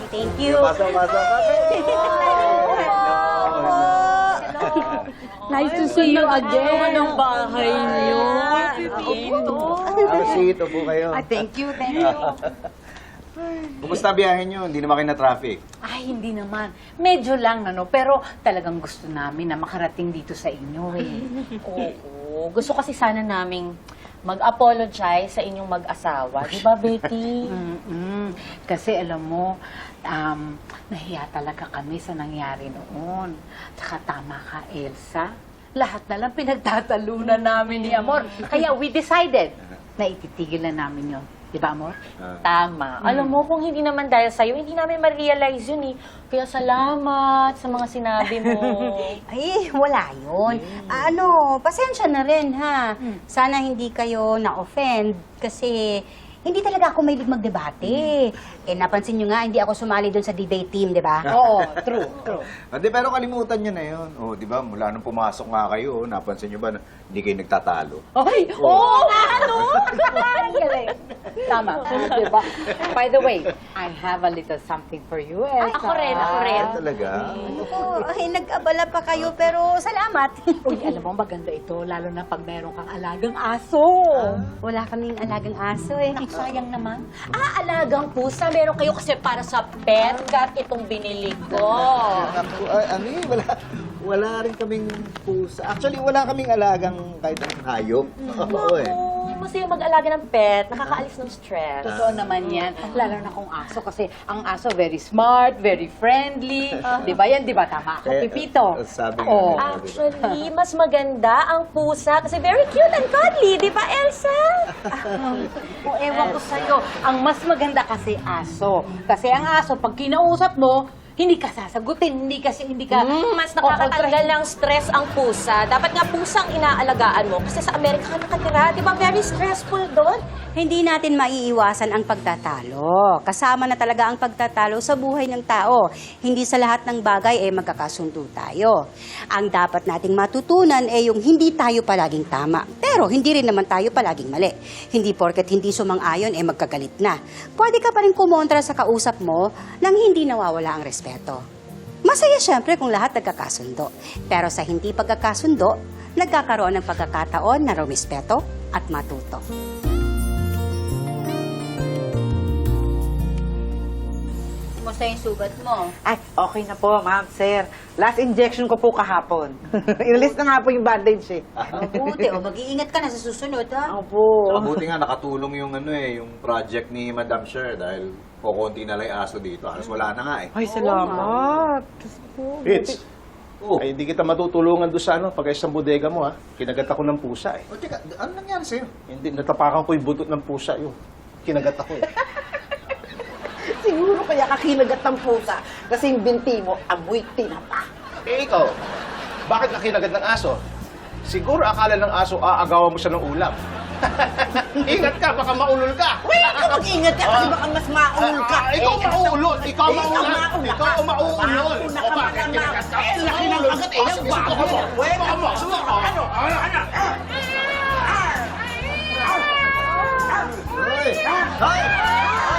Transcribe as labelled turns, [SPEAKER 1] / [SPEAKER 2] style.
[SPEAKER 1] Thank you.
[SPEAKER 2] Pasok.
[SPEAKER 3] Nice to see you again.
[SPEAKER 1] Ang bahay niyo.
[SPEAKER 2] Sito po kayo.
[SPEAKER 1] Thank you.
[SPEAKER 2] Kumusta biyahe nyo? Hindi naman kayo na traffic.
[SPEAKER 3] Ay, hindi naman. Medyo lang, pero talagang gusto namin na makarating dito sa inyo eh.
[SPEAKER 4] Oo. Gusto kasi sana naming mag-apologize sa inyong mag-asawa. Di ba, Betty?
[SPEAKER 3] Kasi alam mo, nahiya talaga kami sa nangyari noon. Tsaka tama ka, Elsa. Lahat na lang pinagtatalunan namin ni Amor. Kaya we decided na ititigil na namin yun. Di ba, Amor?
[SPEAKER 4] Tama. Alam mo, kung hindi naman dahil sa'yo, hindi namin ma-realize yun eh. Kaya salamat sa mga sinabi mo.
[SPEAKER 1] Ay, wala yun. Pasensya na rin, ha? Sana hindi kayo na-offend kasi hindi talaga ako mahilig magdebate. Napansin nyo nga, hindi ako sumali doon sa debate team, di ba?
[SPEAKER 3] Oo, true.
[SPEAKER 2] Pero kalimutan nyo na yun. Di ba, mula nung pumasok nga kayo, napansin nyo ba na hindi kayo nagtatalo?
[SPEAKER 3] Ay, oo nga, ano? Galing. Tama, di ba? By the way, I have a little something for you, Elsa.
[SPEAKER 4] Ay, ako rin.
[SPEAKER 2] Talaga?
[SPEAKER 1] Nag-abala pa kayo, pero salamat.
[SPEAKER 3] Uy, alam mo, maganda ito, lalo na pag meron kang alagang aso.
[SPEAKER 1] Wala kaming alagang aso eh.
[SPEAKER 4] Sayang naman. Alagang pusa. Meron kayo kasi para sa pet cat itong binili ko.
[SPEAKER 2] Wala rin kaming pusa. Actually, wala kaming alagang kahit anong hayop. Oo eh.
[SPEAKER 4] Masaya mag-alaga ng pet. Nakakaalis ng stress.
[SPEAKER 3] Totoo naman yan. Lalo na kung aso kasi ang aso very smart, very friendly. Di ba yan? Di ba? Tama ako, Pipito.
[SPEAKER 2] Sabi nga
[SPEAKER 3] Oo.
[SPEAKER 2] nila,
[SPEAKER 4] Actually, mas maganda ang pusa kasi very cute and cuddly. Di ba, Elsa?
[SPEAKER 3] O ewan ko sa'yo, ang mas maganda kasi aso. Kasi ang aso, pag kinausap mo, hindi ka sasagutin, hindi ka...
[SPEAKER 4] Mas nakakatanggal ng stress ang pusa. Dapat nga pusang inaalagaan mo kasi sa Amerika ka nakatira. Di ba, very stressful doon?
[SPEAKER 1] Hindi natin maiiwasan ang pagtatalo. Kasama na talaga ang pagtatalo sa buhay ng tao. Hindi sa lahat ng bagay magkakasundo tayo. Ang dapat nating matutunan yung hindi tayo palaging tama. Pero hindi rin naman tayo palaging mali. Hindi porket hindi sumang-ayon magkagalit na. Pwede ka pa rin kumontra sa kausap mo nang hindi nawawala ang respeto. Masaya siyempre kung lahat nagkakasundo. Pero sa hindi pagkakasundo, nagkakaroon ng pagkakataon na rumispeto at matuto. Kumusta yung sugat mo?
[SPEAKER 5] Ay, okay na po, ma'am, sir. Last injection ko po kahapon. Inalis na nga po yung bandage eh.
[SPEAKER 1] Mabuti, mag-iingat ka na sa susunod, ha?
[SPEAKER 5] Opo.
[SPEAKER 2] Mabuti nga nakatulong yung project ni Madam Sher dahil kukunti na lang yung aso dito. Halos wala na nga eh.
[SPEAKER 5] Ay, salamat.
[SPEAKER 6] Fitz,
[SPEAKER 2] Oh.
[SPEAKER 6] ay hindi kita matutulungan doon sa pag-ayos ng bodega mo ha. Kinagat ako ng pusa eh.
[SPEAKER 2] O teka, ano nangyari sa'yo?
[SPEAKER 6] Hindi, natapakan ko yung butot ng pusa yun. Kinagat ako eh.
[SPEAKER 5] Siguro kaya kakinagat ng pusa kasi yung binti mo, amoy tinapa.
[SPEAKER 6] Eh ikaw, bakit ka kinagat ng aso? Siguro akala ng aso aagawan mo siya ng ulam. Ingat ka, baka maulol ka.
[SPEAKER 5] Uy, ikaw mag-ingat ka kasi baka mas maul ka.
[SPEAKER 6] Ikaw maulol, ikaw maulol.
[SPEAKER 5] mauna ka.
[SPEAKER 6] Ikaw maulol.
[SPEAKER 5] Mauna
[SPEAKER 6] O
[SPEAKER 5] ka,
[SPEAKER 6] bakit
[SPEAKER 5] mauna
[SPEAKER 6] kinagat ka?
[SPEAKER 5] ka.
[SPEAKER 6] Laki ng agad eh. Sige, subukan mo. Subukan mo. Subukan mo. Ano?
[SPEAKER 2] Hoy! Hoy!